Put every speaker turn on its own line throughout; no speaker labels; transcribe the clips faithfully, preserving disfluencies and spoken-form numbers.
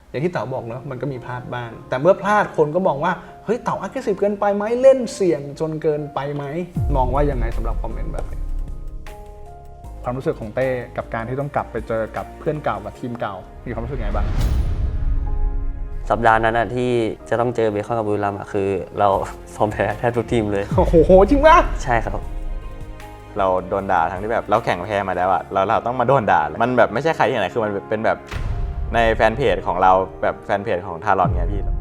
อย่างที่เต๋าบอกเนอะมันก็มีพลาดบ้างแต่เมื่อพลาดคนก็มองว่าเฮ้ยเต๋า aggressive เกินไปไหมเล่นเสี่ยงจนเกินไปไหมมองว่ายังไงสำหรับคอมเมนต์แบบนี้ความรู้สึกของเต้กับการที่ต้องกลับไปเจอกับเพื่อนเก่ากับทีมเก่ามีความรู้สึกไงบ้าง
สัปดาห์นั้นนะที่จะต้องเจอเบคอนกับบุรีรัมย์คือเราซ้อมแพ้แทบทุกทีมเลย
โอ้โหจริงปะ
ใช่ครับ
เราโดนด่าทั้งที่แบบเราแข่งแพ้มาแล้วอะเราเราต้องมาโดนด่ามันแบบไม่ใช่ใครที่ไหนคือมันเป็นแบบในแฟนเพจของเราแบบแฟนเพจของทารอนไงพี่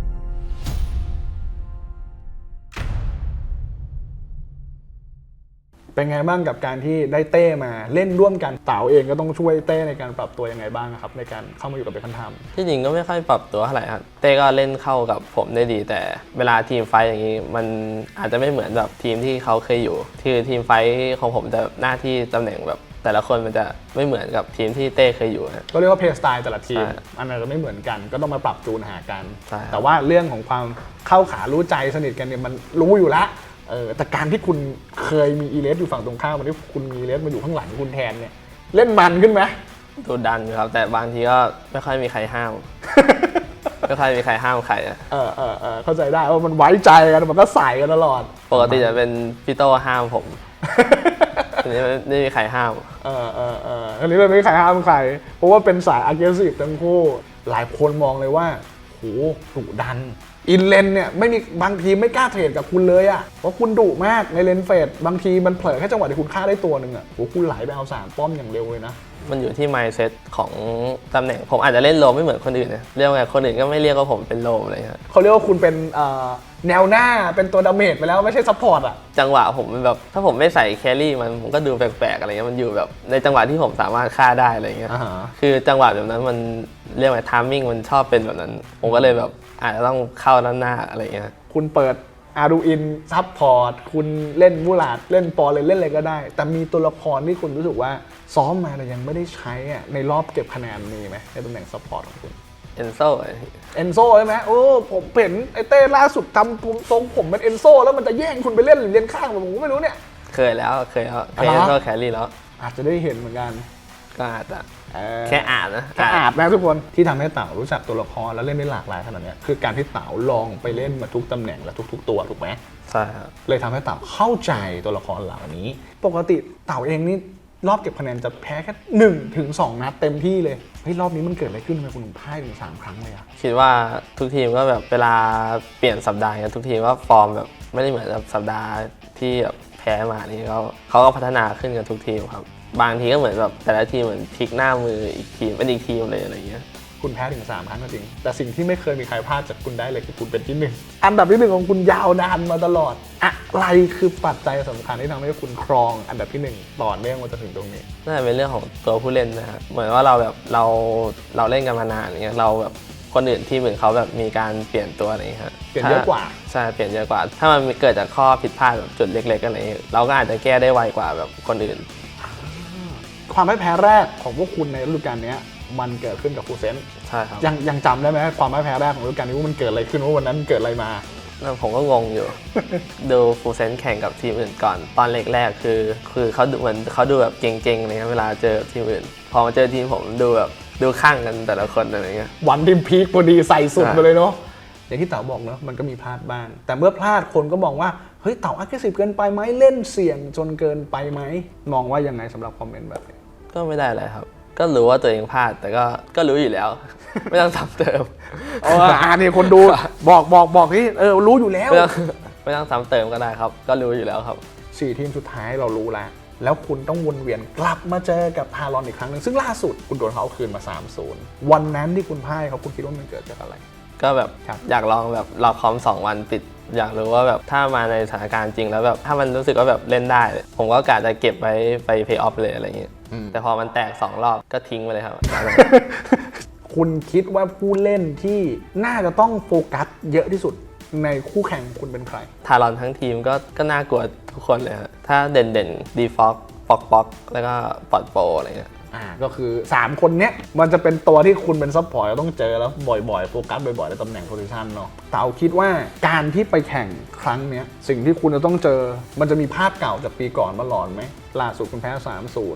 เป็นไงบ้างกับการที่ได้เต้มาเล่นร่วมกันเต๋าเองก็ต้องช่วยเต้ในการปรับตัวยังไงบ้างครับในการเข้ามาอยู่กับเบคอนทัม
ที่จริงก็ไม่ค่อยปรับตัวเท่าไหร่ครับเต้ก็เล่นเข้ากับผมได้ดีแต่เวลาทีมไฟอย่างนี้มันอาจจะไม่เหมือนแบบทีมที่เขาเคยอยู่คือทีมไฟของผมจะหน้าที่ตำแหน่งแบบแต่ละคนมันจะไม่เหมือนกับทีมที่เต้เคยอยู่
ก็เรียกว่าเพลย์สไตล์แต่ละทีมอันนั้นจะไม่เหมือนกันก็ต้องมาปรับจูนหากันแต่ว่าเรื่องของความเข้าขารู้ใจสนิทกันเนี่ยมันรู้อยู่แล้วเออแต่การที่คุณเคยมีอีเลสอยู่ฝั่งตรงข้ามวันที่คุณมีอีเลสมาอยู่ข้างหลังคุณแทนเนี่ยเล่นมันขึ้นไหม
ดูดันครับแต่บางทีก็ไม่ค่อยมีใครห้ามไม่ค่อยมีใครห้ามใครอ่ะ
เออเออเออเข้าใจได้ว่ามันไว้ใจกันมันก็ใส่กันตลอด
ปกติจะเป็นพี่โตห้ามผมทีนี้ไม่มีใครห้าม
เออเออเออทีนี้ไม่มีใครห้ามใครเพราะว่าเป็นสาย aggressive ทั้งคู่หลายคนมองเลยว่าโหดุดันอินเลนเนี่ยไม่มีบางทีไม่กล้าเทรดกับคุณเลยอ่ะเพราะคุณดุมากในเลนเฟดบางทีมันเผลอแค่จังหวะที่คุณฆ่าได้ตัวหนึ่งอ่ะโหคุณไหลไปเอาสามป้อมอย่างเร็วเลยนะ
มันอยู่ที่ mindset ของตำแหน่งผมอาจจะเล่นโลมไม่เหมือนคนอื่นนะเรียกว่าคนอื่นก็ไม่เรียกว่าผมเป็นโลมเลยครับ
เขาเรียกว่าคุณเป็นแนวหน้าเป็นตัวดาเมจไปแล้วไม่ใช่ซัพพอร์ตอ่ะ
จังหวะผมแบบถ้าผมไม่ใส่แครี่มันผมก็ดูแปลกๆอะไรเงี้ยมันอยู่แบบในจังหวะที่ผมสามารถฆ่าได้อะไรเงี้ย
uh-huh.
คือจังหวะแบบนั้นมันเรียกว่าทามมิ่งมันชอบเป็นแบบนั้นผมก็เลยแบบอาจจะต้องเข้าด้านหน้าอะไรเงี้ย
คุณเปิดอารูอินซัพพอร์ตคุณเล่นมูลาดเล่นปอเลยเล่นอะไรก็ได้แต่มีตัวละครที่คุณรู้สึกว่าซ้อมมาแต่ยังไม่ได้ใช้อ่ะในรอบเก็บคะแนนมีไหมในตำแหน่งซัพพอร์ตของคุณ
เอนโซ
เอนโซใช่ไหมโอ้ผมเห็นไอเต้ล่าสุดทำทรงผมเป็นเอนโซแล้วมันจะแย่งคุณไปเล่นหรือเล่นข้างผมก็ไม่รู้เนี่ย
เคยแล้วเคยแล้วเคยเอนโซแครี่แล้ว
อาจจะได้เห็นเหมือนกัน
ก็อาจจะแค่อ่านนะ
แค่อ่านนะทุกคนที่ทำให้เต๋ารู้จักตัวละครแล้วเล่นได้หลากหลายขนาดนี้คือการที่เต๋าลองไปเล่นมาทุกตำแหน่งและทุกๆตัวถูกไหม
ใช่ครับ
เลยทำให้เต๋าเข้าใจตัวละครเหล่านี้ปกติเต๋าเองนี่รอบเก็บคะแนนจะแพ้แค่หนึ่งถึงสองนัดเต็มที่เลยเฮ้ยรอบนี้มันเกิดอะไรขึ้นทำไมคุณถึงพ่ายถึงสามครั้งเลยอะ
คิดว่าทุกทีมก็แบบเวลาเปลี่ยนสัปดาห์กันทุกทีมว่าฟอร์มแบบไม่ได้เหมือนกับสัปดาห์ที่แบบแพ้มานี่เขาเขาก็พัฒนาขึ้นกันทุกทีมครับบางทีก็เหมือนแบบแต่ละทีมเหมือนพลิกหน้ามืออีกทีมเป็นอีกทีมเลยอะไรเงี้ย
คุณแพ้ถึงสามครั้งก็จริงแต่สิ่งที่ไม่เคยมีใครพลาดจากคุณได้เลยคือคุณเป็นที่หนึ่งอันดับที่หนึ่งของคุณยาวนานมาตลอดอะไรคือปัจจัยสำคัญที่ทำให้คุณครองอันดับที่หนึ่งต่อเนื่องมาจนถึงตรงนี้
น่าจะเป็นเรื่องของตัวผู้เล่นนะครับเหมือนว่าเราแบบเราเราเล่นกันมานานอย่างเงี้ยเราแบบคนอื่นที่เหมือนเขาแบบมีการเปลี่ยนตัวอะไรเงี้ย
เปลี่ยนเยอะกว่า
ใช่เปลี่ยนเยอะกว่าถ้ามันเกิดจากข้อผิดพลาดแบบจุดเล็กๆอะไรเงี้ยเราก็อาจจะแก้ได้ไวกว่าแบบคนอื่น
ความพ่ายแพ้แรกของพวกคุณในฤดูกาลนี้มันเกิดขึ้นกับฟูเซน
ใช่ครับ
ยังยังจำได้ไหมความพ่ายแพ้แรกของฤดูกาลนี้ว่ามันเกิดอะไรขึ้นว่าวันนั้นเกิดอะไรมา
ผมก็งงอยู่ ดูฟูเซนแข่งกับทีมอื่นก่อนตอนแรกๆคือคือเขาดูเหมือนเขาดูแบบเก่งๆเลยเวลาเจอทีมอื่นพอมาเจอทีมผมดูแบบดูข้างกันแต่ละคนอะไรเงี้ย
วันทีมพีคพอดีใส่สุดไปเลยเนาะอย่างที่เต๋าบอกเนาะมันก็มีพลาดบ้างแต่เมื่อพลาดคนก็มองว่าเฮ้ยเต๋า aggressive เกินไปไหมเล่นเสี่ยงจนเกินไปไหมมองว่ายังไงสำหรับคอมเมนต์แบบนี้
ก็ไม่ได้อะไรครับก็รู้ว่าตัวเองพลาดแต่ก็ก็รู้อยู่แล้วไม่ต้องซ้ำเติม
อ๋ออ่านี่คนดูบอกบอกบอกที่เออรู้อยู่แล้ว
ไม่ต้องไม่ต้องซ้ำเติมก็ได้ครับก็รู้อยู่แล้วครับ
สี่ทีมสุดท้ายเรารู้แล้วแล้วคุณต้องวนเวียนกลับมาเจอกับทารอนอีกครั้งนึงซึ่งล่าสุดคุณโดนเขาเอาคืนมา สามศูนย์ วันนั้นที่คุณพ่ายเขาคุณคิดว่ามันเกิดจากอะไร
ก็แบบอยากลองแบบรอคอมสองวันติดอยากรู้ว่าแบบถ้ามาในสถานการณ์จริงแล้วแบบถ้ามันรู้สึกว่าแบบเล่นได้ผมก็กะจะเก็บไว้ไปเพย์ออฟเลยอะไรอย่างเงี้ยแต่พอมันแตกสองรอบก็ทิ้งไปเลยครับ
คุณคิดว่าผู้เล่นที่น่าจะต้องโฟกัสเยอะที่สุดในคู่แข่งคุณเป็นใคร
ทารอนทั้งทีมก็ก็น่ากลัวทุกคนเลยครับถ้าเด่นเด่นดีฟ็อกฟ็อกฟ็อกแล้วก็ปอดโปอะไรเงี้ย
อ่าก็คือสามคนเนี้ยมันจะเป็นตัวที่คุณเป็นซัพพอร์ตต้องเจอแล้วบ่อยๆโฟกัสบ่อยๆในตำแหน่งโพซิชันเนาะเต๋าคิดว่าการที่ไปแข่งครั้งเนี้ยสิ่งที่คุณจะต้องเจอมันจะมีภาพเก่าจากปีก่อนมาหลอนไหมล่าสุดคุณแพ้ สามศูนย์ แ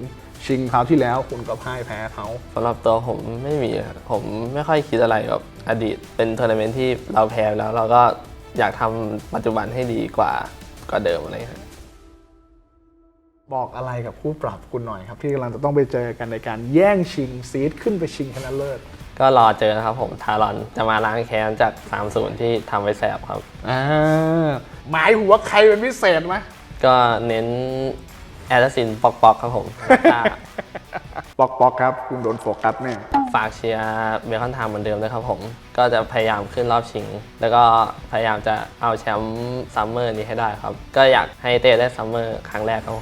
ชิงคราวที่แล้วคุณก็พ่ายแพ้เขา
สำหรับตัวผมไม่มีครับผมไม่ค่อยคิดอะไรกับอดีตเป็นทัวร์นาเมนต์ที่เราแพ้แล้วเราก็อยากทำปัจจุบันให้ดีกว่ากว่าเดิมอะไรครับ
บอกอะไรกับคู่ปรับคุณหน่อยครับที่กำลังจะต้องไปเจอกันในการแย่งชิงซีดขึ้นไปชิงชนะเลิศ
ก็รอเจอนะครับผมทารอนจะมาล้างแค้นจาก สามศูนย์ ที่ทำไว้แสบครับ
อ่าหมายหัวใครเป็นพิเศษไหม
ก็เน้นแอดซินปอกปอกครับผม
ปอกปอกครับคุณโดนโฟกัสแน่
ฝากเชียร์เบคอนไทม์เหมือนเดิมด้วยครับผม ก็จะพยายามขึ้นรอบชิง แล้วก็พยายามจะเอาแชมป์ซัมเมอร์นี้ให้ได้ครับ ก็อยากให้เต้ได้ซัมเมอร์ครั้งแรกครับผม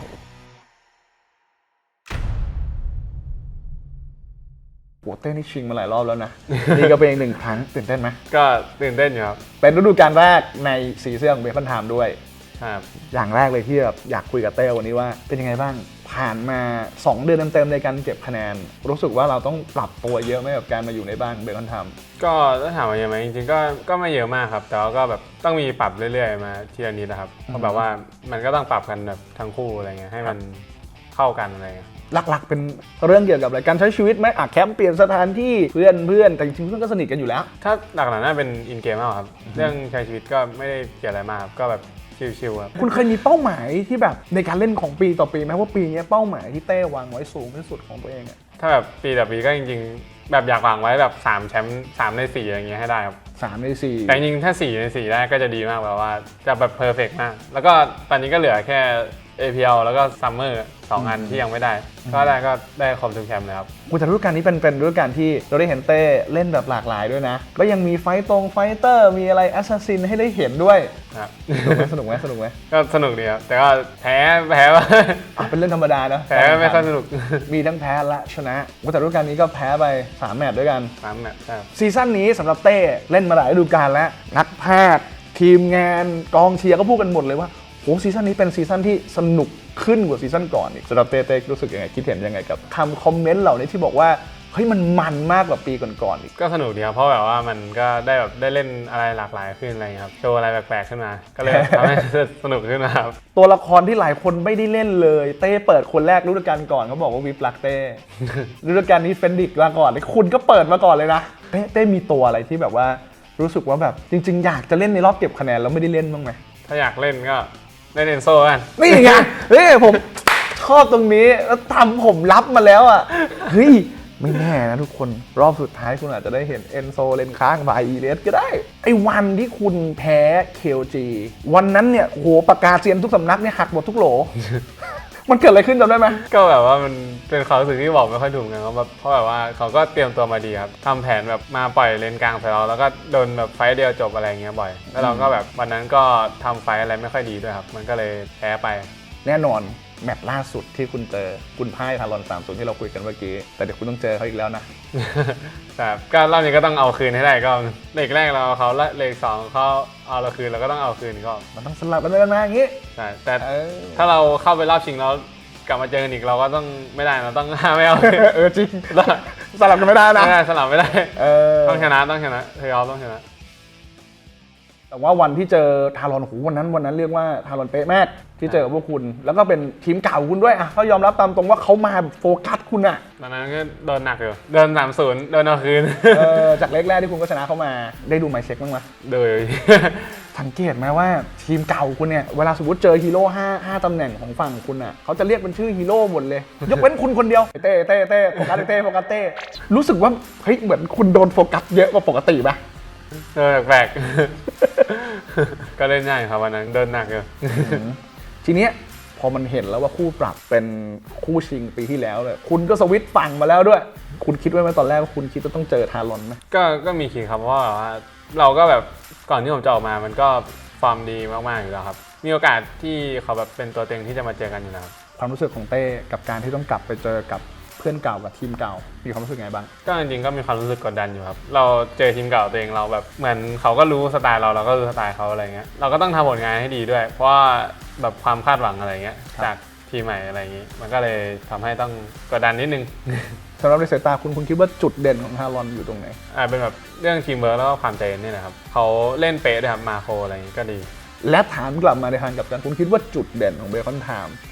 โหเต้นี่ชิงมาหลายรอบแล้วนะ นี่ก็เป็นอีกหนึ่งครั้งตื่นเต้นไหม
ก็ตื่นเต้นอยู่ครับ
เป็นฤดูกาลแรกในซีซั่นของเบคอนไทม์ด้วย
ครับ
อย่างแรกเลยที่แบบอยากคุยกับเต้วันนี้ว่าเป็นยังไงบ้างผ่านมาสองเดือนเต็มๆในการเก็บคะแนน รู้สึกว่าเราต้องปรับตัวเยอะไหมกับการมาอยู่ในบ้านเบคอนไทม์
ก็ถ้าถามว่าเยอะไหมจริงๆก็ก็ไม่เยอะมากครับแต่ว่าก็แบบต้องมีปรับเรื่อยๆมาทีละนิดนะครับเพราะแบบว่ามันก็ต้องปรับกันแบบทั้งคู่อะไรเงี้ยให้มันเข้ากันอะไรเงี้ย
หลักๆเป็นเรื่องเกี่ยวกับอะไรการใช้ชีวิตไหมอ่ะแคมป์เปลี่ยนสถานที่เพื่อนเพื่อนแต่จริงๆเพื่อนก็สนิทกันอยู่แล้ว
ถ้าหลักๆน่าเป็นอินเกมมากกว่าครับเรื่องใช้ชีวิตก็ไม่ได้เกี่ยวอะไรมากครับก็แบบชิลๆครับ
คุณเคยมีเป้าหมายที่แบบในการเล่นของปีต่อปีไหมว่าปีนี้เป้าหมายที่เต้วางไว้สูงที่สุดของตัวเองอะ
ถ้าแบบปีต่อปีก็จริงๆแบบอยากวางไว้แบบสามแชมป์สามในสี่อะไรเงี้ยให้ได้ครับ
สามในสี่
แต่จริงๆถ้าสี่ในสี่ได้ก็จะดีมากแบบว่าจะแบบเพอร์เฟกต์มากแล้วก็ตอนนี้ก็เหลือแค่ เอ พี แอล แล้วก็ซัมเมอร์สองอันที่ยังไม่ได้ก็ได้ก็ได้ครบทุกแชมป์เลยครับ
อุยแต่ฤดูกาลนี้เป็นเป็นฤดูกาลที่เราได้เห็นเต้เล่นแบบหลากหลายด้วยนะก็ยังมีไฟต์ตรงไฟเตอร์มีอะไรแอสซัสซินให้ได้เห็นด้วย
ครับ
สนุกไหมสนุกไหม
ก็สนุกดีครับแต่ก็แพ้แพ้ว่า
อ่ะเป็นเรื่องธรรมดาเนอะ
แพ้ไม่ค่อยสนุก
มีทั้งแพ้และชนะอุยแต่ฤดูกาลนี้ก็แพ้ไปสามแมตช์ด้วยกัน
สามแมตช์ครับ
ซีซั่นนี้สำหรับเต้เล่นมาหลายฤดูกาลแล้วนักพากย์ทีมงานกองเชียร์ก็พูดกันหมดเลยว่าโหซีซั่นนี้เป็นซีซั่นที่สนุกขึ้นกว่าซีซั่นก่อนอีกสำหรับเต้เต้รู้สึกยังไงคิดเห็นยังไงกับคำคอมเมนต์เหล่านี้ที่บอกว่าเฮ้ยมันมันมากกว่าปีก่อนๆอีก
ก็สนุกดีครับเพราะแบบว่ามันก็ได้แบบได้เล่นอะไรหลากหลายขึ้นอะไรอย่างเงี้ยครับโชว์อะไรแปลกๆขึ้นมา ก็เลยทำให้ สนุกขึ้นมาครับ
ตัวละครที่หลายคนไม่ได้เล่นเลยเต้เปิดคนแรกฤดูกาลก่อนเขาบอกว่าวิปลักเต้ ฤดูกาลนี้เฟนดิกมาก่อนเลยคุณก็เปิดมาก่อนเลยนะเต้เต้มีตัวอะไรที่แบบว่ารู้สึกว่าแบบจริง ๆ อยากจะเล่นในรอบเก็บคะแนนแล้วไม่ได้เล่นบ้างไหม
ถ้าอยากเล่นก็เล่นเอนโซกัน
นี่ไงเฮ้ยผมชอบตรงนี้แล้วทำผมรับมาแล้วอ่ะเฮ้ยไม่แน่นะทุกคนรอบสุดท้ายคุณอาจจะได้เห็นเอนโซเลนค้างบายอีเลสก็ได้ไอ้วันที่คุณแพ้ เค แอล จี วันนั้นเนี่ยโหประกาศเซียนทุกสำนักเนี่ยหักหมดทุกโหล มันเกิดอะไรขึ้นจำได้ไหม
ก็แบบว่ามันเป็นความรู้สึกที่บอกไม่ค่อยถูกกันครับเพราะแบบว่าเขาก็เตรียมตัวมาดีครับทำแผนแบบมาปล่อยเลนกลางใส่เราแล้วก็โดนแบบไฟต์เดียวจบอะไรเงี้ยบ่อยแล้วเราก็แบบวันนั้นก็ทำไฟต์อะไรไม่ค่อยดีด้วยครับมันก็เลยแพ้ไป
แน่นอนแมตช์ล่าสุดที่คุณเจอคุณพ่ายทารอนสามศูนย์ที่เราคุยกันเมื่อกี้แต่เดี๋ยวคุณต้องเจอเขาอีกแล้วนะ
แต่ก็รอบนี้ก็ต้องเอาคืนให้ได้ก็เลกแรกเราเอาเขาและเลกสองเขาเอาเราคืนเราก็ต้องเอาคืนก็
มันต้องสลับกันไปกันมาอย่างงี้
ใช่แต่
เออ
ถ้าเราเข้าไปรอบชิงแล้วกลับมาเจอกันอีกเราก็ต้องไม่ได้เราต้อง ไม่เอา
เออจริงสลับกันไม่ได้นะ
ไม่ได้สลับไม่ได้
เออ
ต้องชนะต้องชนะเธอเอาต้องชนะ
แต่ว่าวันที่เจอทารอนโหวันนั้นวันนั้นเรียกว่าทารอนเป๊ะมากที่เจอพวกคุณ แล้วก็เป็นทีมเก่าคุณด้วยอ่ะก็ยอมรับตามตรงว่าเขามาแบบโฟกัสคุณอ่ะ
ตอนนั้นก็โดนหนักอยู่เดินสามศูนย์โดนเอาคืน
เออจากเล็กแรกที่คุณก็ชนะเขามาได้ดูไมเซ็กบ้างไหม
โดย
สังเกตไหมว่าทีมเก่าคุณเนี่ยเวลาสมมติเจอฮีโร่ห้าห้าตำแหน่งของฝั่งคุณอ่ะเขาจะเรียกเป็นชื่อฮีโร่หมดเลย ยกเว้นคุณคนเดียวเต้เต้เต้โฟกัสเต้โฟกัสเต้รู้สึกว่าเฮ้ยเหมือนคุณโดนโฟกัสเยอะกว่าปกติปะ
เดินแปลกๆ ก็เล่นง่ายครับวันนั้นเดินหนักอยู่
ทีเนี้ยพอมันเห็นแล้วว่าคู่ปรับเป็นคู่ชิงปีที่แล้วเลยคุณก็สวิตช์ฝั่งมาแล้วด้วย คุณคิดไว้ไหมตอนแรกว่าคุณคิดว่าต้องเจอทารอนไหม
ก็ก็มีคิดครับเพราะว่าเราก็แบบก่อนที่ผมจะออกมามันก็ฟอร์มดีมากๆอยู่แล้วครับมีโอกาสที่เขาแบบเป็นตัวเต็งที่จะมาเจอกันอยู่แล้ว
ความรู้สึกของเต้กับการที่ต้องกลับไปเจอกับเพื่อนเก่ากับทีมเก่ามีความรู้สึกไงบ้าง
ก็จริงๆก็มีความรู้สึกกดดันอยู่ครับเราเจอทีมเก่าตัวเองเราแบบเหมือนเขาก็รู้สไตล์เราเราก็รู้สไตล์เขาอะไรเงี้ยเราก็ต้องทำผลงานให้ดีด้วย เพราะว่าแบบความคาดหวังอะไรเงี้ยจากทีมใหม่อะไรอย่างงี้มันก็เลยทำให้ต้องกดดันนิดนึง
สำหรับในสายตาคุณคุณคิดว่าจุดเด่นของทารอนอยู่ตรงไหน
อ่าเป็นแบบเรื่องทีมเวิร์กแล้วก็ความใจเย็นนี่แหละครับเขาเล่นเป๊ะด้วยครับมาโครอะไรอย่างงี้ก็ดี
และถามกลับมาในทางกลับกันคุณคิดว่าจุดเด่นของเบคอนไทม์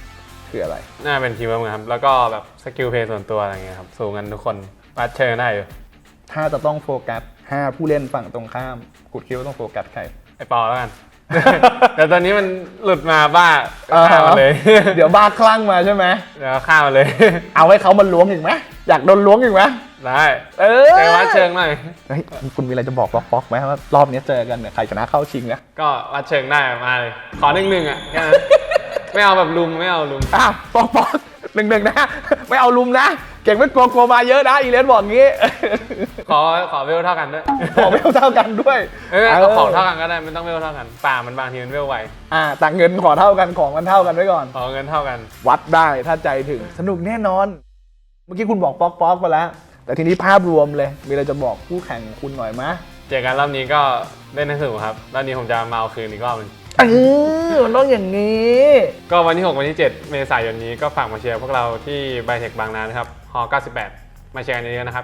คืออะไร
น่าเป็นทีมเวิร์คครับแล้วก็แบบสกิลเพลย์ส่วนตัวอะไรเงี้ยครับสูงกันทุกคนวัดเชิงได้อยู่
ถ้าจะต้องโฟกัสห้าผู้เล่นฝั่งตรงข้ามกูคิดว่าต้องโฟกัสใคร
ไอปอแล้วกัน แต่ตอนนี้มันหลุดมาบ้าฆ่ามันเลย
เดี๋ยวบ้าคลั่งมาใช่ไหม
เดี๋ยวฆ่ามันเลย
เอาให้เขามันล้วงอีกไหมอยากโดนล้วงอีกไหม
ได้
เออ
ไปวัดเชิงหน่อย
เฮ้ยคุณมีอะไรจะบอกป๊อกป๊อกไหมว่ารอบนี้เจอกันเนี่ยใครชนะเข้าชิงนะ
ก็วัดเชิงได้มาเลยขอหนึ่งหนึ่งอ่ะแค่นั้น ไม่เอาแบบลุมไม่เอาลุม
อ้าวป๊อกป๊อกหนึ่งหนึ่งนะ ไม่เอาลุมนะ เก่งไม่กลัวกลัวมาเยอะนะอีเลนบอกงี้
ขอขอเวลเท่ากันด้วย
ขอไม่เท่ากันด้วย
เออเอาของเท่ากันก็ได้ไม่ต้องเวลเท่ากันป่ามันบางทีมันเวลไว
อ่าแต่เงินขอเท่ากันของมันเท่ากันไว้ก่อน
ขอเงินเท่ากัน
วัดได้ถ้าใจถึงสนุกแน่นอน เมื่อกี้คุณบอกป๊อกป๊อกไปแล้ว แต่ทีนี้ภาพรวมเลย มีอะไรจะบอกคู่แข่งของคุณหน่อยมะ
เจอกันรอบนี้ก็เล่นให้สนุกครับรอบนี้ผมจะมาเอาคืนอีกรอบนึง
เออมันต้องอย่างนี้
ก็วันที่หกวันที่เจ็ดเมษายนนี้ก็ฝากมาเชียร์พวกเราที่ไบเทคบางนานะครับฮอเก้าสิบแปดมาเชียร์กันเยอะๆนะครับ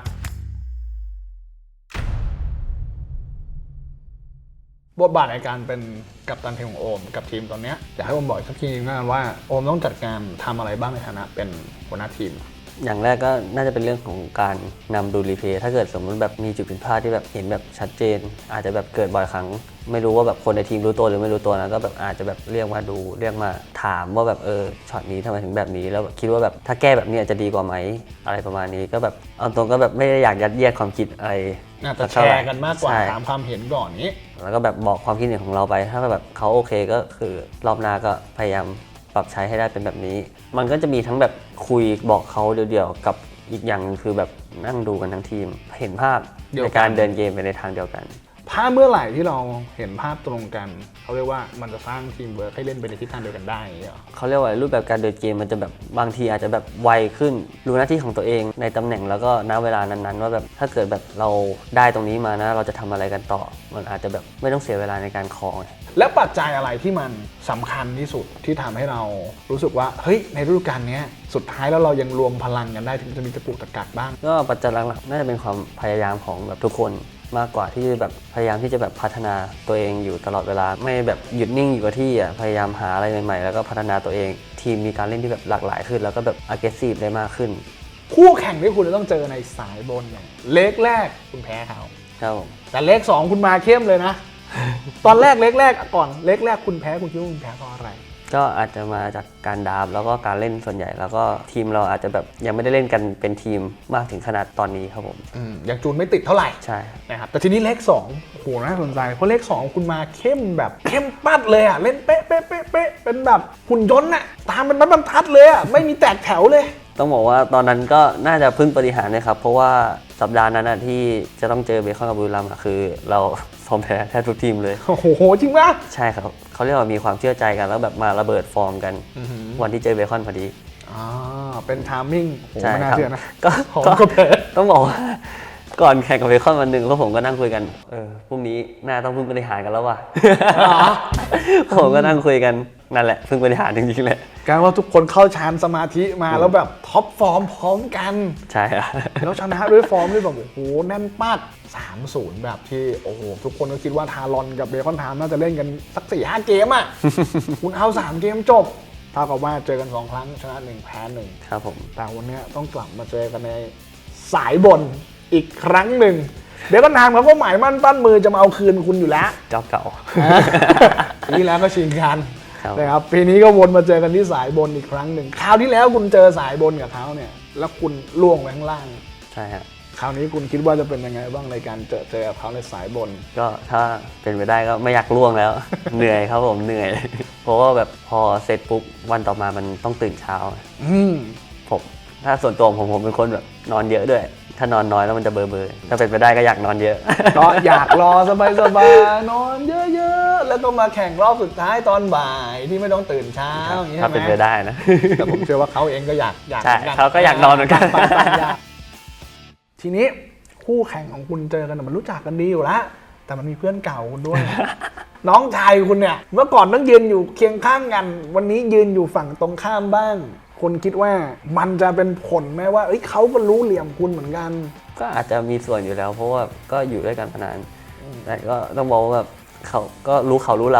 บทบาทในการเป็นกัปตันทีมของโอมกับทีมตอนเนี้ยอยากให้โอมบอกอีกสักทีนึงนะว่าโอมต้องจัดการทำอะไรบ้างในฐานะเป็นหัวหน้าทีม
อย่างแรกก็น่าจะเป็นเรื่องของการนำดูรีเพลย์ถ้าเกิดสมมติแบบมีจุดผิดพลาดที่แบบเห็นแบบชัดเจน อาจจะแบบเกิดบ่อยครั้ง ไม่รู้ว่าแบบคนในทีมรู้ตัวหรือไม่รู้ตัวนะก็แบบอาจจะแบบเรียกมาดูเรียกมาถามว่าแบบเออช็อตนี้ทำไมถึงแบบนี้แล้วแบบคิดว่าแบบถ้าแก้แบบนี้จะดีกว่าไหมอะไรประมาณนี้ก็แบบเอาตรงก็แบบไม่ได้อยากยัดเยียดความคิดอะไร
น่าจะแชร์กันมากกว่า
ใช่
ถามความเห็นก่อนนี้
แล้วก็แบบบอกความคิดเห็นของเราไป ถ้าแบบเขาโอเคก็คือรอบหน้าก็พยายามปรับใช้ให้ได้เป็นแบบนี้ มันก็จะมีทั้งแบบคุยบอกเขาเดียวๆกับอีกอย่างหนึ่งคือแบบนั่งดูกันทั้งทีม เห็นภาพ
เดียวกัน
ในการเดินเกมไปในทางเดียวกัน
ถ้าเมื่อไหร่ที่เราเห็นภาพตรงกันเขาเรียกว่ามันจะสร้างทีมเวิร์คให้เล่นไปในทิศทางเดียวกันได้อย่างเงี้ยเหรอ
เขาเรียกว่ารูปแบบการเดินเกมมันจะแบบบางทีอาจจะแบบไวขึ้นรู้หน้าที่ของตัวเองในตำแหน่งแล้วก็ณเวลานั้นๆว่าแบบถ้าเกิดแบบเราได้ตรงนี้มานะเราจะทำอะไรกันต่อ มันอาจจะแบบไม่ต้องเสียเวลาในการคอไง
และปัจจัยอะไรที่มันสำคัญที่สุดที่ทำให้เรารู้สึกว่าเฮ้ยในฤดูกาลนี้สุดท้ายแล้วเรายังรวมพลังกันได้ถึงจะมีตะกุกตะกักบ้าง
ก็ปัจจัยหลักๆน่าจะเป็นความพยายามของแบบทุกคนมากกว่าที่แบบพยายามที่จะแบบพัฒนาตัวเองอยู่ตลอดเวลาไม่แบบหยุดนิ่งอยู่กับที่อ่ะพยายามหาอะไรใหม่ๆแล้วก็พัฒนาตัวเองทีมมีการเล่นที่แบบหลากหลายขึ้นแล้วก็แบบ aggressive ได้มากขึ้น
คู่แข่งที่คุณจะต้องเจอในสายบนเนี่ยเล็กแรกคุณแพ้เขา
ครับผม
แต่เล็กสองคุณมาเข้มเลยนะ ตอนแรกเล็กแรกก่อนเล็กแรกคุณแพ้คุณคิดว่าคุณแพ้เพราะอะไร
ก็อาจจะมาจากการดราฟแล้วก็การเล่นส่วนใหญ่ แล้วก็ทีมเราอาจจะแบบยังไม่ได้เล่นกันเป็นทีมมากถึงขนาดตอนนี้ครับผม
อืมยังจูนไม่ติดเท่าไหร่
ใช่
นะครับแต่ทีนี้เลขสองโอ้โหน่าสนใจเพราะเลขสองคุณมาเข้มแบบเข้มปัดเลยอ่ะเล่นเป๊ะเป๊ะเป๊ะเป๊ะเป็นแบบหุ่นยนต์น่ะตามเป็นบรรทัดเลยอ่ะไม่มีแตกแถวเลย
ต้องบอกว่าตอนนั้นก็น่าจะพึ่งปฏิหารย์นะครับเพราะว่าสัปดาห์นั้นนะที่จะต้องเจอเบคอนกับบุรีรัมย์อะคือเราฟอร์มแพ้แทบทุกทีมเลย
โอ้โหจริงปะ
ใช่ครับเขาเรียกว่ามีความเชื่อใจกันแล้วแบบมาระเบิดฟอร์มกัน วันที่เจอเบคอนพอดี
อ่าเป็นทามมิ่งโอ้โห
ใช่
ไม่น่า
ครับ
เชื่อนะ
ก็
ของ
ก็
ก็แพ้
ต้องบอกว่าก่อนแข่งกับเบคอนวันหนึ่งพวกผมก็นั่งคุยกันเออพรุ่งนี้น่าต้องพึ่งบริหารกันแล้วว่ะ ผมก็นั่งคุยกันนั่นแหละพึ่งบริหารจริงๆแหละ
การว่าทุกคนเข้าฌานสมาธิมาแล้วแบบท็อปฟอร์มพร้อมกัน
ใช่ครับ
แล้วชนะด้วยฟอร์มที่แบบโอ้โหแน่นปัด สามศูนย์ แบบที่โอ้โหทุกคนก็คิดว่าทารอนกับเบคอนไทม์น่าจะเล่นกันสัก สี่ห้า เกมอ่ะ คุณเอาสามเกมจบเท่ากับว่าเจอกันสองครั้งชนะหนึ่งแพ้หนึ่ง
ครับผม
แต่วันนี้ต้องกลับมาเจอกันในสายบนอีกครั้งหนึ่งเดี๋ยวก็นามเขาก็หมายมั่นปั้นมือจะมาเอาคืนคุณอยู่แล้ว
เจ้าเก่า
ปีที่แล้วก็ชิงกัน
ครับ
นะครับปีนี้ก็วนมาเจอกันที่สายบนอีกครั้งหนึ่งคราวที่แล้วคุณเจอสายบนกับเขาเนี่ยแล้วคุณล่วงไปข้างล่าง
ใช่ฮะ
คราวนี้คุณคิดว่าจะเป็นยังไงบ้างในการเจอเจอกับเขาในสายบน
ก็ถ้าเป็นไปได้ก็ไม่อยากล่วงแล้ว เหนื่อยครับผมเหนื่อย เพราะว่าแบบพอเสร็จปุ๊บวันต่อมามันต้องตื่นเช้า
อืม
ผมถ้าส่วนตัวผมผมเป็นคนแบบนอนเยอะด้วย ถ้านอนน้อยแล้วมันจะเบลอเบลอถ้าเป็นไปได้ก็อยากนอนเยอะ
ก็อยากรอสบายสบายๆนอนเยอะๆแล้วก็มาแข่งรอบสุดท้ายตอนบ่ายที่ไม่ต้องตื่นเช้าอย่างนี้
ถ้า
ใช่
เป็น
ไห
ไป
ม
ได้นะ
แต่ผมเชื่อว่าเขาเองก็อยากอยาก
ใช่
หมือนน
เขาก็อยากนอนเหมือนกัน
ต่างๆอยากทีนี้คู่แข่งของคุณเจอกันน่ะมันรู้จักกันดีอยู่แล้วแต่มันมีเพื่อนเก่าคุณด้วย น้องชายคุณเนี่ยเมื่อก่อนต้องยืนอยู่เคียงข้างกัน วันนี้ยืนอยู่ฝั่งตรงข้ามบ้างคุณคิดว่ามันจะเป็นผลไหมว่าเอ้ยเขาก็รู้เหลี่ยมคุณเหมือนกัน
ก็อาจจะมีส่วนอยู่แล้ว เพราะว่าก็อยู่ด้วยกันมานานแต่ก็ต้องบอกว่าแบบเขาก็รู้เขารู้เราอ่ะ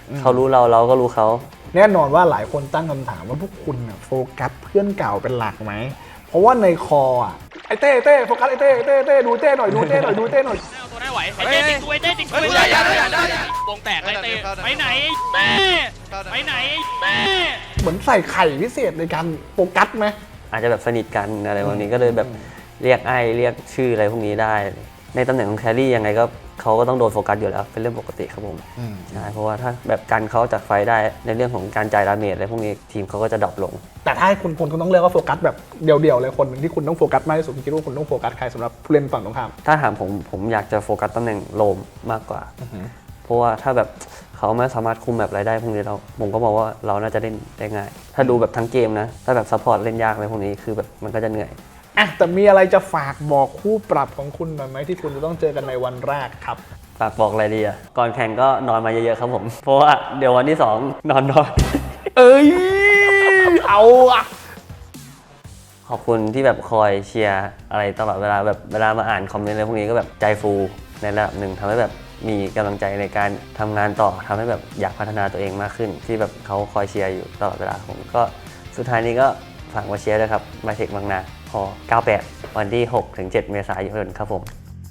เขารู้เราเราก็รู้เขา
แน่นอนว่าหลายคนตั้งคำถามว่าพวกคุณน่ะโฟกัสเพื่อนเก่าเป็นหลักไหมเพราะว่าในคออ่ะไอ้เต้เต้โฟกัสไอ้เต้เต้เต้ดูเต้หน่อยดูเต้หน่อยดูเต้หน่อย
เอาตัวได้ไหวไอ้เต้ติดตัวไอ้เต้ติดตัวไอ้เต้วงแตกไอ้เต้ไปไหนแม่ไปไหนแม่
เหมือนใส่ไข่พิเศษในการโฟกัสไหม
อาจจะแบบสนิทกันอะไรแบบนี้ก็เลยแบบเรียกไอ้เรียกชื่ออะไรพวกนี้ได้ ในตำแหน่งของแครี่ยังไงก็เขาก็ต้องโดนโฟกัสอยู่แล้วเป็นเรื่องปกติครับผมใช่เพราะว่าถ้าแบบกันเขาจากไฟได้ในเรื่องของการจ่ายดาเมจอะไรพวกนี้ทีมเขาก็จะดรอปลง
แต่ถ้าให้คุณพลคุณต้องเลือกว่าโฟกัสแบบเดี่ยวๆเลยคนหนึ่งที่คุณต้องโฟกัสมากที่สุดคุณคิดว่าคุณต้องโฟกัสใครสำหรับผู้เล่นฝั่งตรงข้าม
ถ้าถามผมผมอยากจะโฟกัสตำแหน่งโลมมากกว่าเพราะว่าถ้าแบบเขาไม่สามารถคุมแบบรายได้พวกนี้เราผมก็มองว่าเราน่าจะเล่นได้ง่ายถ้าดูแบบทั้งเกมนะถ้าแบบซัพพอร์ตเล่นยากอะไรพวกนี้คือแบบมันก็จะเหนื่อย
อ่ะแต่มีอะไรจะฝากบอกคู่ปรับของคุณหน่อยไหมที่คุณจะต้องเจอกันในวันแรกครับ
ฝากบอกอะไรดีอ่ะก่อนแข่งก็นอนมาเยอะๆครับผมเพราะว่าเดี๋ยววันที่สองนอนน้อย
เอ้ยเอาอะ
ขอบคุณที่แบบคอยเชียร์อะไรตลอดเวลาแบบเวลามาอ่านคอมเมนต์อะไรพวกนี้ก็แบบใจฟูในระดับหนึ่งทำให้แบบมีกำลังใจในการทำงานต่อทำให้แบบอยากพัฒนาตัวเองมากขึ้น ที่แบบเขาคอยเชียร์อยู่ตลอดเวลาผมก็สุดท้ายนี้ก็ฝากมาเชียร์ด้วยครับมาเทคบางนาพอเก้าแปดวันที่หกถึงเจ็ดเมษายนครับผม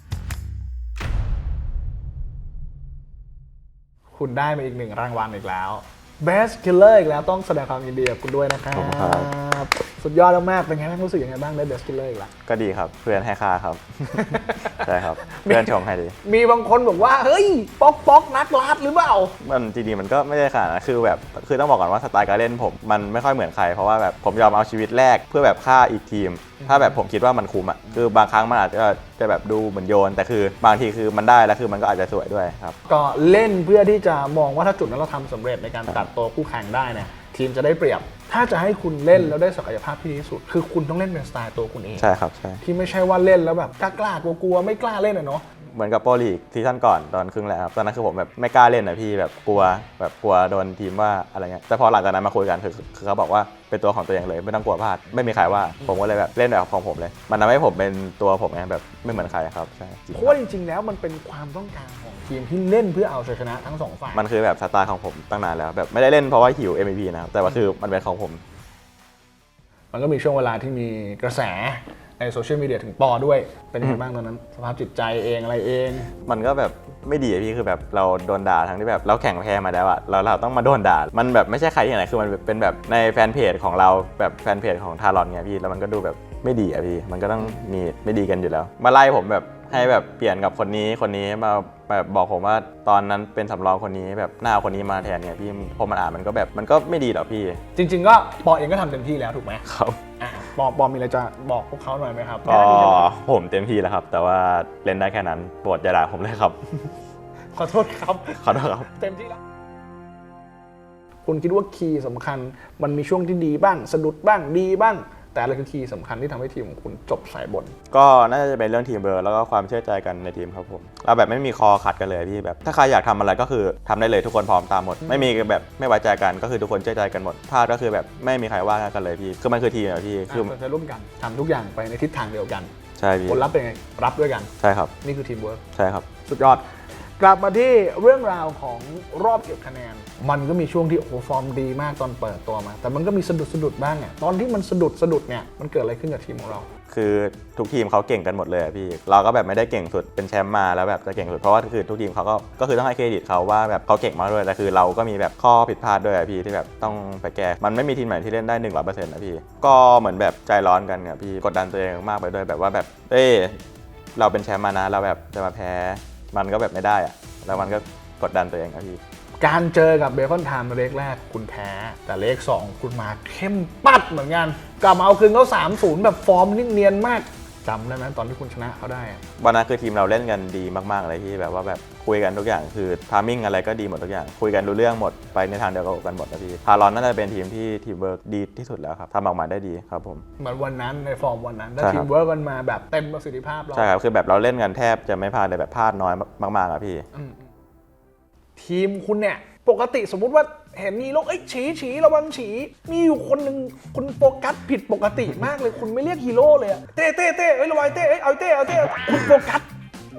คุณได้มาอีกหนึ่งรางวัลอีกแล้ว Best Killer อีกแล้วต้องแสดงความยินดีกับคุณด้วยนะครับ
ขอบคุณครับ
สุดยอดมากๆเป็นไงบ้างรู้สึกยังไงบ้างได้ Best Killer อีกแล้ว
ก็ดีครับเพื่อนให้ค่าครับ ใช่ครับเพื่อนชมให้ดี
มีบางคนบอกว่าเฮ้ยป๊อกป๊อกนักลาดหรือเปล่า
มันจริงๆมันก็ไม่ได้ขนาดนั้นคือแบบคือต้องบอกก่อนว่าสไตล์การเล่นผมมันไม่ค่อยเหมือนใครเพราะว่าแบบผมยอมเอาชีวิตแรกเพื่อแบบฆ่าอีกทีม ถ้าแบบผมคิดว่ามันคุ้มอ่ะคือบางครั้งมันอาจจะจะแบบดูเหมือนโยน แต่คือบางทีคือมันได้แล้วคือมันก็อาจจะสวยด้วยครับ
ก็เล่นเพื่อที่จะมองว่าถ้าจุดนั้นเราทำสำเร็จในการตัดตัวคู่แข่งได้เนี่ยทีมจะได้เปรียบ ถ้าจะให้คุณเล่นแล้วได้ศักยภาพที่ดีที่สุด คือคุณต้องเล่นเป็นสไตล์ตัวคุณเอง
ใช่ครับใช่
ที่ไม่ใช่ว่าเล่นแล้วแบบกล้าๆกลัวๆไม่กล้าเล่นอะเนาะ
เหมือนกับโปรลีกซีซั่นก่อนตอนครึ่งแรกครับตอนนั้นคือผมแบบไม่กล้าเล่นนะพี่แบบกลัวแบบกลัวโดนทีมว่าอะไรเงี้ยแต่พอหลังจากนั้นมาคุยกันคือคือเขาบอกว่าเป็นตัวของตัวเองเลยไม่ต้องกลัวพลาดไม่มีใครว่าผมก็เลยแบบเล่นแบบของผมเลย มันทำให้ผมเป็นตัวผมไงแบบไม่เหมือนใครครับใช่จริง
เพราะว่าจริงๆแล้วมันเป็นความต้องการของทีมที่เล่นเพื่อเอาชัยชนะทั้งสองฝ่าย
มันคือแบบสไตล์ของผมตั้งนานแล้วแบบไม่ได้เล่นเพราะว่าหิว เอ็ม วี พี นะครับแต่ว่าคือมันเป็นของผม
มันก็มีช่วงเวลาที่มีกระแสในโซเชียลมีเดียถึงปอด้วยเป็นยังไงบ้างตอนนั้นสภาพจิตใจเองอะไรเอง
มันก็แบบไม่ดีอะพี่คือแบบเราโดนด่าทั้งที่แบบเราแข่งแพ้มาแล้วอะแล้วเราต้องมาโดนด่ามันแบบไม่ใช่ใครที่ไหนคือมันเป็นแบบในแฟนเพจของเราแบบแฟนเพจของทารอนไงพี่แล้วมันก็ดูแบบไม่ดีอะพี่มันก็ต้องมีไม่ดีกันอยู่แล้ว มาไล่ผมแบบให้แบบเปลี่ยนกับคนนี้คนนี้มาแบบบอกผมว่าตอนนั้นเป็นสำรองคนนี้แบบหน้าคนนี้มาแทนเนี่ยพี่พอมันอ่านมันก็แบบมันก็ไม่ดีหรอกพี่
จริงๆก็ปอเองก็ทำเต็มที่แล้วถูกไหม
ครับ
อ่ะปอปอมีอะไรจะบอกพวกเขาหน่อยไหมครับ
ก็ผมเต็มที่แล้วครับ แต่ว่าเล่นได้แค่นั้นโปรดอย่าด่าผมเลยครับ
ขอโทษครับ
ขอโทษครับ
เต็มที่แล้ว คุณคิดว่าคีย์สำคัญมันมีช่วงที่ดีบ้างสะดุดบ้างดีบ้าง แต่อะไรคือคีย์สำคัญที่ทำให้ทีมของคุณจบสายบน
ก็น่าจะเป็นเรื่องทีมเวิร์คแล้วก็ความเชื่อใจกันในทีมครับผมเราแบบไม่มีคอขัดกันเลยพี่แบบถ้าใครอยากทำอะไรก็คือทำได้เลยทุกคนพร้อมตามหมด ไม่มีแบบไม่ไว้ใจกันก็คือทุกคนเชื่อใจกันหมดพลาดก็คือแบบไม่มีใครว่ากันเลยพี่คือมันคือทีมอะพี่คือ
จะร่วมกันทำทุกอย่างไปในทิศทางเดียวกัน
ใช่พี่
ผลลัพธ์เป็นไงรับด้วยกัน
ใช่ครับ
นี่คือทีมเวิร์ค
ใช่ครับ
สุดยอด กลับมาที่เรื่องราวของรอบเก็บคะแนน มันก็มีช่วงที่โอ้โหฟอร์มดีมากตอนเปิดตัวมา แต่มันก็มีสะดุดสะดุดบ้างเนี่ยตอนที่มันสะดุดสะดุดเนี่ยมันเกิดอะไรขึ้นกับทีมของเรา
คือทุกทีมเขาเก่งกันหมดเลยอะพี่เราก็แบบไม่ได้เก่งสุดเป็นแชมป์มาแล้วแบบจะเก่งสุดเพราะว่าคือทุกทีมเขาก็ก็คือต้องให้เครดิตเขาว่าแบบเขาเก่งมากด้วยแต่คือเราก็มีแบบข้อผิดพลาดด้วยอะพี่ที่แบบต้องไปแก้มันไม่มีทีมไหนที่เล่นได้หนึ่งร้อยเปอร์เซ็นต์นะพี่ก็เหมือนแบบใจร้อนกันอะพี่กดดันตัวเองมากไปด้วยแบบว่าแบบเอ้ยเราเป็นแชมป์มานะเราแบบจะมาแพ้มันก็แบบไม่ได้อะแล้วมันก็กดดันตัวเองอะพี่
การเจอกับเบคอนไทม์เลขแรกคุณแพ้แต่เลขสองคุณมาเข้มปัดเหมือนกันกลับมาเอาคืนเขา สามศูนย์ แบบฟอร์มนิ่งเนียนมากจำได้ไหมตอนที่คุณชนะเขาได้อะ
วันนั้นคือทีมเราเล่นกันดีมากๆเลยที่แบบว่าแบบคุยกันทุกอย่างคือทามมิ่งอะไรก็ดีหมดทุกอย่างคุยกันรู้เรื่องหมดไปในทางเดียวกันหมดนะพี่พารอนน่าจะเป็นทีมที่ทีมเวิร์กดีที่สุดแล้วครับทำออกมาได้ดีครับผม
เหมือนวันนั้นในฟอร์มวันนั้นถ้า
ใช่
ที
ครับ
มเวิร์กกันมาแบบเต็มประสิทธิภาพเรา
ใช่ครับคือแบบเราเล่นกันแทบจะไม่พลาดเลยแบบพลาดน้อยมากๆอะพี่
อืมทีมคุณเนี่ยปกติสมมุติว่าเห็นมีโรคเอ้ยฉีฉีระวังฉีมีอยู่คนหนึ่งคุณโฟกัสผิดปกติมากเลยคุณไม่เรียกฮีโร่เลยอะเต้เต้เต้เอ้ยระวังเต้เอ้ยเอาเต้เอาเต้คุณโฟกัส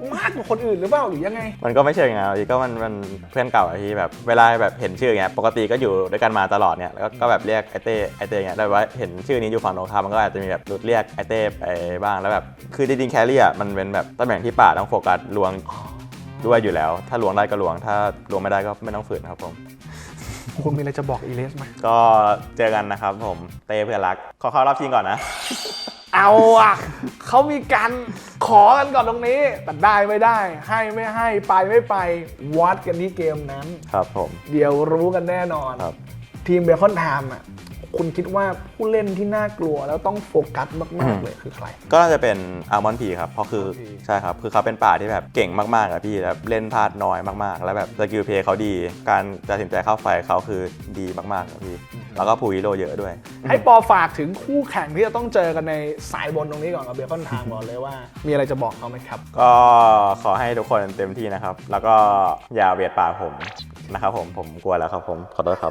มากกว่าคนอื่นหรือเปล่าหรือยังไง
มันก็ไม่เชิงนะพี่ก็มันมันเพื่อนเก่าอะพี่แบบเวลาแบบเห็นชื่ออย่างเงี้ยปกติก็อยู่ด้วยกันมาตลอดเนี่ยแล้วก็แบบเรียกไอเต้ไอเต้เงี้ยแต่ว่าเห็นชื่อนี้อยู่ฝั่งตรงข้ามมันก็อาจจะมีแบบหลุดเรียกไอเต้ไปบ้างแล้วแบบคือจริงๆแครี่อ่ะมันเป็นแบบตำแหน่งที่ป่าต้องโฟกัสลวงด้วยอยู่แล้ว ถ้าลวงได้ก็ลวงถ้าลวงไม่ได้ก็ไม่ต้องฝืนครับผม
คุณมีอะไรจะบอกอีเลสไหม
ก็เจอกันนะครับผมเต้เพื่อนรักขอเข้ารอบชิงก่อนนะ
เอาอ่ะเขามีการขอกันก่อนตรงนี้แต่ได้ไม่ได้ให้ไม่ให้ไปไม่ไปวัดกันที่เกมนั้น
ครับผม
เดี๋ยวรู้กันแน่นอน
ครับ
ทีมเบคอนไทม์อ่ะคุณคิดว่าผู้เล่นที่น่ากลัวแล้วต้องโฟกัสมากๆเลยคือใคร
ก็น่าจะเป็นอัลมอนด์พีครับเพราะคือ
Almond P
ใช่ครับคือเขาเป็นป่าที่แบบเก่งมากๆอะพี่แล้วเล่นพลาดน้อยมากๆ แล้วแบบสกิลเพลย์เขาดี การตัดสินใจเข้าไฟเขาคือดีมากๆครับพี่แล้วก็พูฮีโร่เยอะด้วย
ให้ปอฝากถึงคู่แข่งที่จะต้องเจอกันในสายบนตรงนี้ก่อนกับเบคอนไทม์ก่อนเลยว่า มีอะไรจะบอกเขาไหมครับ
ก็ขอให้ทุกคนเต็มที่นะครับ แล้วก็อย่าเบียดป่าผมนะครับผมผมกลัวแล้วครับผมขอโทษครับ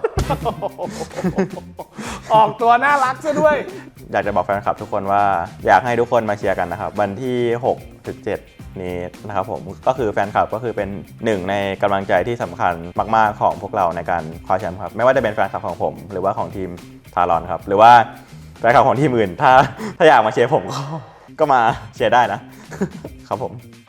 ออกตัวน่ารักซะด้วย
อยากจะบอกแฟนคลับทุกคนว่าอยากให้ทุกคนมาเชียร์กันนะครับวันที่หกถึงเจ็ดนี้นะครับผมก็คือแฟนคลับก็คือเป็นหนึ่งในกำลังใจที่สำคัญมากๆของพวกเราในการคว้าแชมป์ครับไม่ว่าจะเป็นแฟนคลับของผม หรือว่าของทีมทารอนครับหรือว่าแฟนคลับของทีมอื่นถ้าถ้าอยากมาเชียร์ผมก็ก็มาเชียร์ได้นะครับผม